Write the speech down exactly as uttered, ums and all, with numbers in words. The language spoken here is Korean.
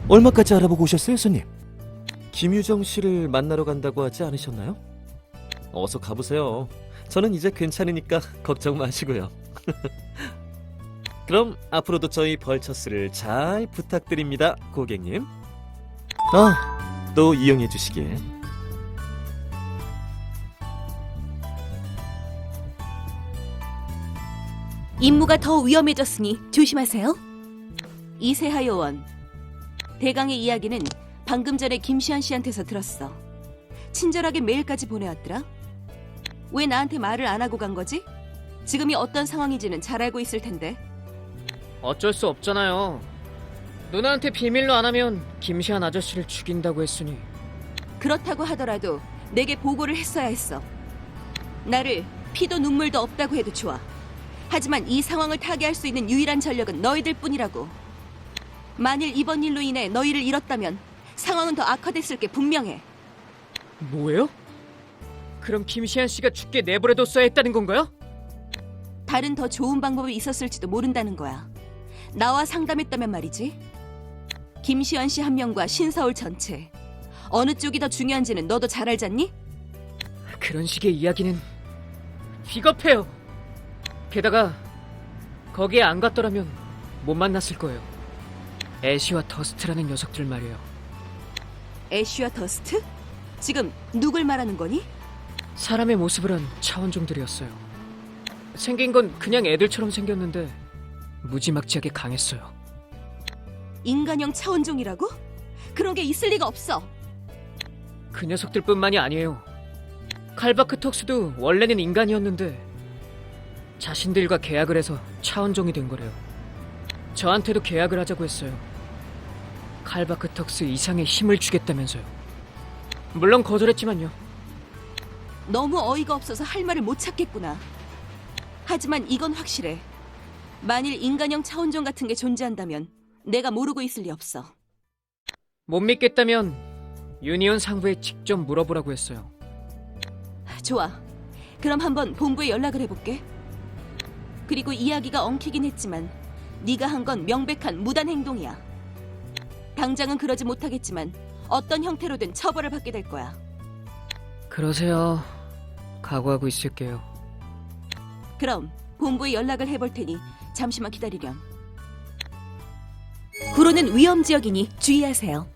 얼마까지 알아보고 오셨어요, 손님? 김유정 씨를 만나러 간다고 하지 않으셨나요? 어서 가보세요. 저는 이제 괜찮으니까 걱정 마시고요. 그럼 앞으로도 저희 벌처스를 잘 부탁드립니다, 고객님. 아, 또 이용해 주시길. 임무가 더 위험해졌으니 조심하세요. 이세하 요원. 대강의 이야기는 방금 전에 김시현 씨한테서 들었어. 친절하게 메일까지 보내왔더라. 왜 나한테 말을 안 하고 간 거지? 지금이 어떤 상황인지는 잘 알고 있을 텐데. 어쩔 수 없잖아요. 누나한테 비밀로 안 하면 김시한 아저씨를 죽인다고 했으니. 그렇다고 하더라도 내게 보고를 했어야 했어. 나를 피도 눈물도 없다고 해도 좋아. 하지만 이 상황을 타개할 수 있는 유일한 전력은 너희들 뿐이라고. 만일 이번 일로 인해 너희를 잃었다면 상황은 더 악화됐을 게 분명해. 뭐예요? 그럼 김시한 씨가 죽게 내버려뒀어야 했다는 건가요? 다른 더 좋은 방법이 있었을지도 모른다는 거야. 나와 상담했다면 말이지. 김시현 씨 한 명과 신서울 전체. 어느 쪽이 더 중요한지는 너도 잘 알잖니? 그런 식의 이야기는 비겁해요. 게다가 거기에 안 갔더라면 못 만났을 거예요. 애쉬와 더스트라는 녀석들 말이에요. 애쉬와 더스트? 지금 누굴 말하는 거니? 사람의 모습을 한 차원종들이었어요. 생긴 건 그냥 애들처럼 생겼는데 무지막지하게 강했어요. 인간형 차원종이라고? 그런 게 있을 리가 없어. 그 녀석들뿐만이 아니에요. 칼바크 톡스도 원래는 인간이었는데 자신들과 계약을 해서 차원종이 된 거래요. 저한테도 계약을 하자고 했어요. 칼바크 톡스 이상의 힘을 주겠다면서요. 물론 거절했지만요. 너무 어이가 없어서 할 말을 못 찾겠구나. 하지만 이건 확실해. 만일 인간형 차원종 같은 게 존재한다면 내가 모르고 있을 리 없어. 못 믿겠다면 유니온 상부에 직접 물어보라고 했어요. 좋아. 그럼 한번 본부에 연락을 해볼게. 그리고 이야기가 엉키긴 했지만 네가 한 건 명백한 무단 행동이야. 당장은 그러지 못하겠지만 어떤 형태로든 처벌을 받게 될 거야. 그러세요. 각오하고 있을게요. 그럼 본부에 연락을 해볼 테니 잠시만 기다리렴. 구로는 위험 지역이니 주의하세요.